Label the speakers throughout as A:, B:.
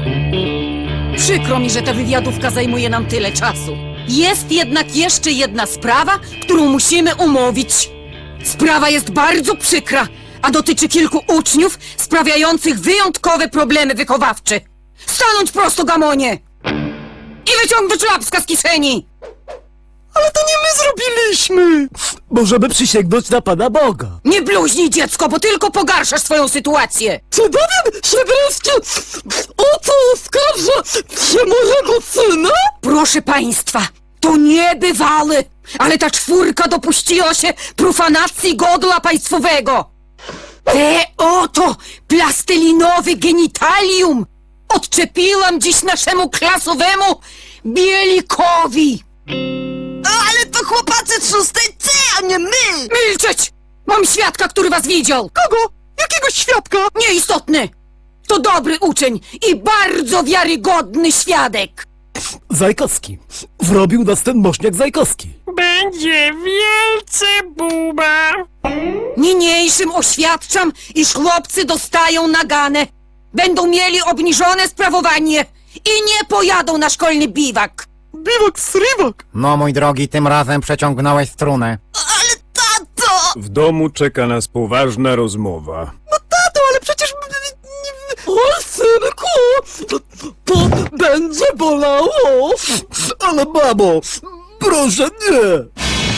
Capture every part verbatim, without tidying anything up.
A: Przykro mi, że ta wywiadówka zajmuje nam tyle czasu. Jest jednak jeszcze jedna sprawa, którą musimy umówić. Sprawa jest bardzo przykra, a dotyczy kilku uczniów sprawiających wyjątkowe problemy wychowawcze. Stanąć prosto, gamonie! I wyciągnąć łapska z kieszeni!
B: Ale to nie my zrobiliśmy! Możemy przysięgnąć na Pana Boga.
A: Nie bluźnij, dziecko, bo tylko pogarszasz swoją sytuację!
B: Czy dowiem się wreszcie, o co oskarża się mojego syna?
A: Proszę państwa, to niebywale, ale ta czwórka dopuściła się profanacji godła państwowego. Te oto plastelinowe genitalium odczepiłam dziś naszemu klasowemu Bielikowi.
B: Ale to chłopacy z szóstej C, a nie my!
A: Milczeć! Mam świadka, który was widział.
B: Kogo? Jakiego świadka?
A: Nieistotny. To dobry uczeń i bardzo wiarygodny świadek.
B: Zajkowski. Wrobił nas ten mośniak Zajkowski.
C: Będzie wielce buba.
A: Niniejszym oświadczam, iż chłopcy dostają naganę. Będą mieli obniżone sprawowanie i nie pojadą na szkolny biwak.
B: Biwak srywak!
D: No mój drogi, tym razem przeciągnąłeś strunę.
B: Ale tato!
E: W domu czeka nas poważna rozmowa.
B: Tato, ale przecież... O, synku! To, to będzie bolało! Ale mamo, proszę nie!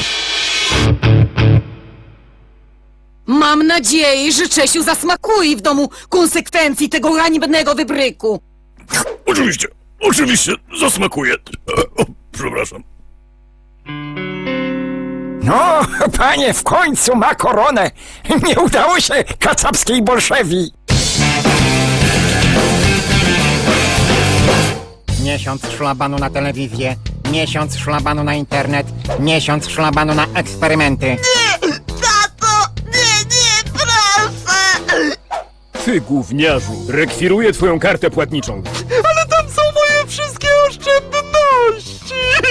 A: Mam nadzieję, że Czesiu zasmakuje w domu konsekwencji tego hańbnego wybryku.
E: Oczywiście, oczywiście, zasmakuje. O, przepraszam.
D: No, panie, w końcu ma koronę. Nie udało się kacapskiej bolszewi. Miesiąc szlabanu na telewizję, miesiąc szlabanu na internet, miesiąc szlabanu na eksperymenty.
B: Tato, nie, nie, proszę!
E: Ty, gówniarzu, rekwiruję twoją kartę płatniczą.
B: Ale tam są moje wszystkie oszczędności!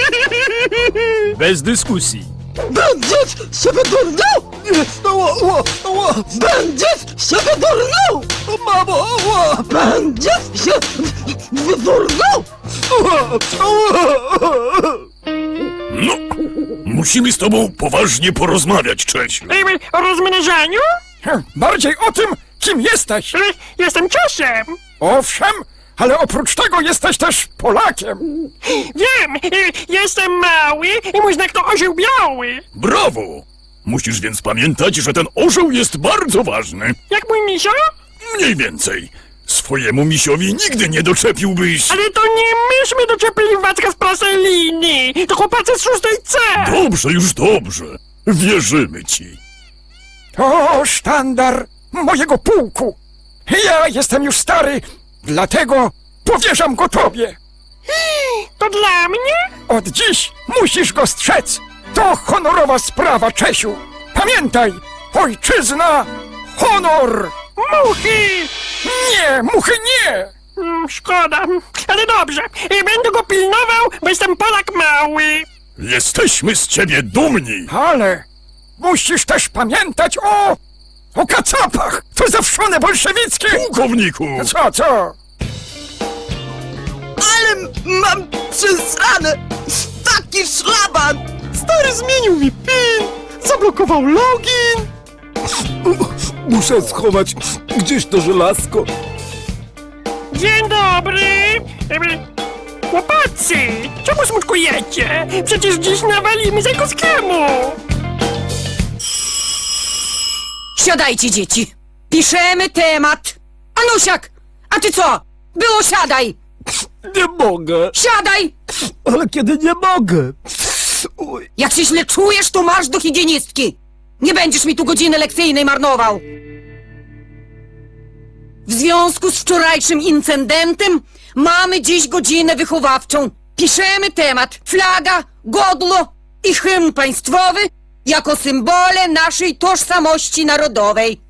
E: Bez dyskusji.
B: Będziesz się wydurniał? Nie, ła, ła, ła. Będziesz się wydurniał? Mamo, ła. Będziesz się wydurniał? Ła, ła.
E: No, musimy z tobą poważnie porozmawiać, Czesiu.
C: Ej, o rozmnażaniu?
D: Bardziej o tym, kim jesteś.
C: Ej, Jestem Czesiem.
D: Owszem, ale oprócz tego jesteś też Polakiem.
C: Wiem, ej, jestem mały i mój znak to orzeł biały.
E: Brawo! Musisz więc pamiętać, że ten orzeł jest bardzo ważny.
C: Jak mój misio?
E: Mniej więcej. Swojemu misiowi nigdy nie doczepiłbyś...
C: Ale to nie myśmy doczepili Wacka z Praseliny. To chłopacy z szóstej C.
E: Dobrze, już dobrze. Wierzymy ci.
D: To sztandar mojego pułku. Ja jestem już stary, dlatego powierzam go tobie.
C: To dla mnie?
D: Od dziś musisz go strzec. To honorowa sprawa, Czesiu. Pamiętaj, ojczyzna, honor.
C: Muchy.
D: Nie, muchy nie.
C: Mm, Szkoda, ale dobrze. Ej, Będę go pilnował, bo jestem Polak mały.
E: Jesteśmy z ciebie dumni.
D: Ale musisz też pamiętać o... o kacapach. To zawszone bolszewickie.
E: Pułkowniku!
D: Co, co?
B: Ale mam przesrane! Taki szlaban! Stary zmienił mi PIN, zablokował login. Muszę schować gdzieś to żelazko.
C: Dzień dobry. Ej, Chłopacy, czemu smutkujecie? Przecież dziś nawalimy Zajkowskiemu.
A: Siadajcie, dzieci. Piszemy temat. Anusiak, a ty co? Było siadaj.
B: Nie mogę,
A: Siadaj!
B: ale kiedy nie mogę? Oj.
A: Jak się źle czujesz, to marsz do higienistki. Nie będziesz mi tu godziny lekcyjnej marnował. W związku z wczorajszym incydentem mamy dziś godzinę wychowawczą. Piszemy temat flaga, godło i hymn państwowy jako symbole naszej tożsamości narodowej.